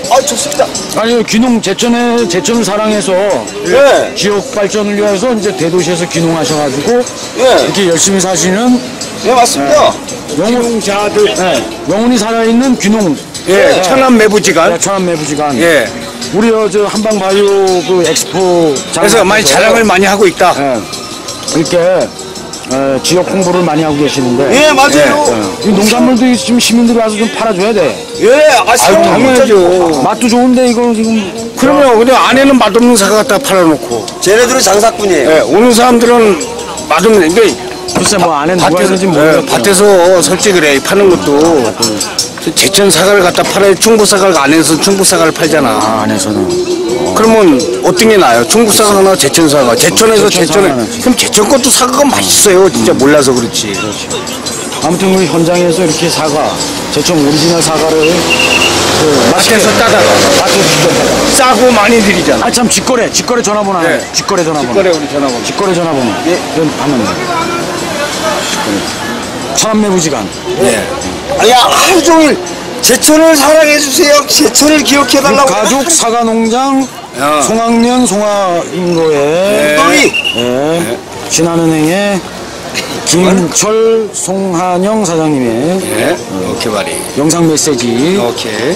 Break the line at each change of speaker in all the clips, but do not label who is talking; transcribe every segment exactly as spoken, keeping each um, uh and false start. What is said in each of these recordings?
아, 좋습니다.
아니, 귀농, 제천에, 제천을 사랑해서.
예.
지역 발전을 위해서 이제 대도시에서 귀농하셔가지고.
예.
이렇게 열심히 사시는.
네, 맞습니다.
귀농자들. 네. 영혼이 살아있는 귀농.
예,
네.
천안 매부지간.
네, 천안 매부지간.
예.
우리 저 한방바이오 그 엑스포.
그래서 많이 자랑을 많이 하고 있다.
네. 이렇게. 에, 지역 홍보를 많이 하고 계시는데.
예, 맞아요.
예, 이 농산물도 지금 시민들이 와서 좀 팔아줘야 돼.
예, 아, 사용
당연하죠.
맛도 좋은데 이거 지금.
그러면 근데 안에는 맛없는 사과 갖다 팔아놓고.
쟤네들은 장사꾼이에요.
예, 오는 사람들은 맛없는 게
글쎄 뭐 안에 누가 있는지
밭에서,
모르겠어.
예, 밭에서 솔직히 그래 파는 것도 제천 사과를 갖다 팔아야 충북 사과를 안에서 충북 사과를 팔잖아.
아, 안에서는.
그러면 어떤 게 나아요? 충북 사과나 제천 사과. 제천에서
제천
제천에
사과는
그럼 제천 것도 사과가 맛있어요. 진짜 몰라서 그렇지.
아무튼 우리 현장에서 이렇게 사과, 제천 오리지널 사과를 그
밭에서 따다가
밭에서 직접 따다가.
싸고 많이 드리잖아.
아, 참 직거래, 직거래 전화번호 하나.
네.
직거래 전화번호.
직거래 우리 전화번호.
직거래 전화번호. 예, 그럼 하면 돼. 천안매부지간.
예. 아니, 하루 종일 제천을 사랑해주세요. 제천을 기억해달라고.
가족 사과농장
야.
송학년 송화인도의
우리
예. 신한은행의 김철 송한영 사장님의
예. 오케이 말이.
영상 메시지
오케이.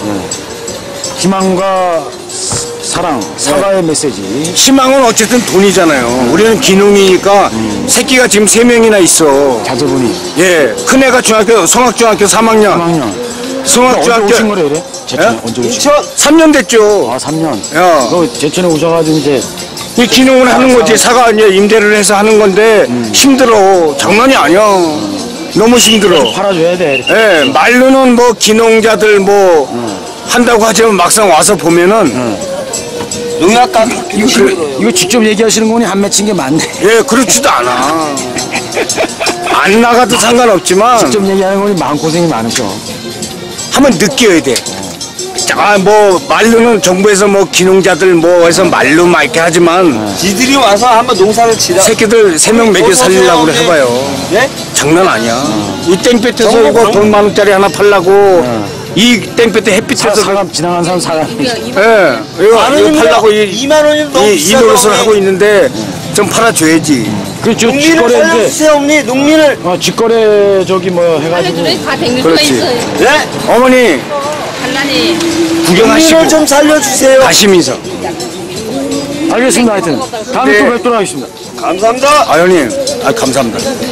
희망과 사랑 사과의 메시지.
희망은 어쨌든 돈이잖아요. 우리는 기농이니까 새끼가 지금 세 명이나 있어.
자제분이
예. 큰애가 중학교 성악중학교 삼 학년.
삼 학년. 언제
성악중학교
오신 거래 이래? 제천에
예?
언제 오신
인천
삼 년 됐죠.
아, 삼 년.
야.
너 제천에 오셔가지고 이제
이 기농을 하는 거지. 사과 이제 임대를 해서 하는 건데 힘들어. 장난이 아니야. 너무 힘들어.
팔아줘야 돼. 이렇게.
예, 말로는 뭐 기농자들 뭐 한다고 하지만 막상 와서 보면은
농약값
이거, 그, 이거 직접 얘기하시는 거니 한 맺힌 게 많네.
예, 그렇지도 않아. 안 나가도 상관없지만
직접 얘기하는 거니 마음고생이 많으셔.
한번 느껴야 돼. 아, 뭐 말로는 정부에서 뭐 기농자들 뭐 해서 말로 막 이렇게 하지만
지들이 와서 한번 농사를 치라.
새끼들 세 명 먹여 살리려고 그래 해봐요.
예?
장난 아니야. 이 땡볕에서 이거 돈 만 원짜리 하나 팔라고 이 땡볕에
사,
햇빛에서
사람 지나간 사람 사람.
예, 이거,
만
이거
원이면
팔라고 이,
이만 원이면 너무
이, 이
비싸다.
노릇을 하고 있는데 좀 팔아줘야지.
그렇죠.
농민을
직거래 이제
살려주세요, 어머니. 농민을.
어, 직거래 저기 뭐 해가지고
알려주네. 다 백일 수가
그렇지.
있어요.
예?
어머니
갈라니.
구경하시고
농민을 좀 살려주세요.
가시면서.
알겠습니다. 하여튼 다음에
네.
또 뵙도록 하겠습니다.
감사합니다.
아 형님, 아 감사합니다.